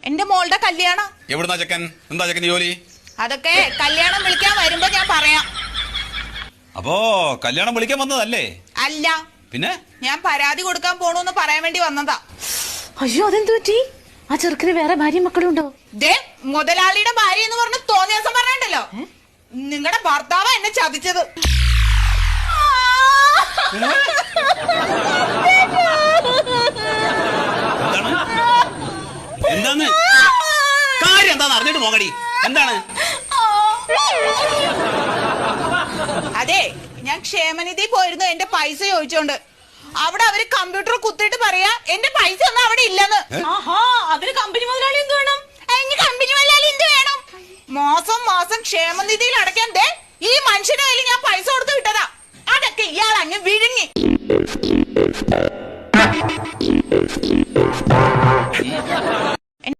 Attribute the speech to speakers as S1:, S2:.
S1: എന്റെ മോളുടെ കല്യാണം.
S2: എവിടുന്നാ ചെക്കൻ? എന്താ ചെക്കന് ജോലി?
S1: അതൊക്കെ കല്യാണം വിളിക്കാൻ വരുമ്പോ ഞാൻ പറയാം.
S2: അപ്പോ കല്യാണം വിളിക്കാൻ വന്നതല്ലേ?
S1: അല്ല,
S2: പിന്നെ
S1: ഞാൻ പരാതി കൊടുക്കാൻ പോണൂന്ന് പറയാൻ വേണ്ടി വന്നതാ.
S3: അയ്യോ, അതെന്തു പറ്റി? ആ ചെറുക്കിന് വേറെ ഭാര്യ മക്കളും ഉണ്ടോ?
S1: ദേ, മുതലാളിയുടെ ഭാര്യ എന്ന് പറഞ്ഞ് തോന്നിയ ദിവസം പറഞ്ഞിട്ടല്ലോ, നിങ്ങളുടെ ഭർത്താവാ എന്നെ ചതിച്ചത്.
S2: എന്താണ് കാര്യം? എന്താന്ന് അറിഞ്ഞിട്ട് പോകടി. എന്താണ്?
S1: അതെ, ഞാൻ ക്ഷേമനിധി പോയിരുന്നു എന്റെ പൈസ ചോദിച്ചോണ്ട്. അവിടെ അവര് കമ്പ്യൂട്ടർ കുത്തിയിട്ട് പറയാ എന്റെ പൈസ ഒന്നും അവിടെ ഇല്ലെന്ന്.
S3: അതിന് കമ്പനി മുതലാളി എന്ത് വേണം?
S1: കമ്പനി മുതലാളി എന്ത് വേണം? മാസം മാസം ക്ഷേമനിധിയിൽ അടയ്ക്കാൻ ദേ ഈ മനുഷ്യന്റെ കയ്യിൽ ഞാൻ പൈസ കൊടുത്ത് വിട്ടതാ. അതൊക്കെ ഇയാൾ അങ്ങ് വിഴുങ്ങി.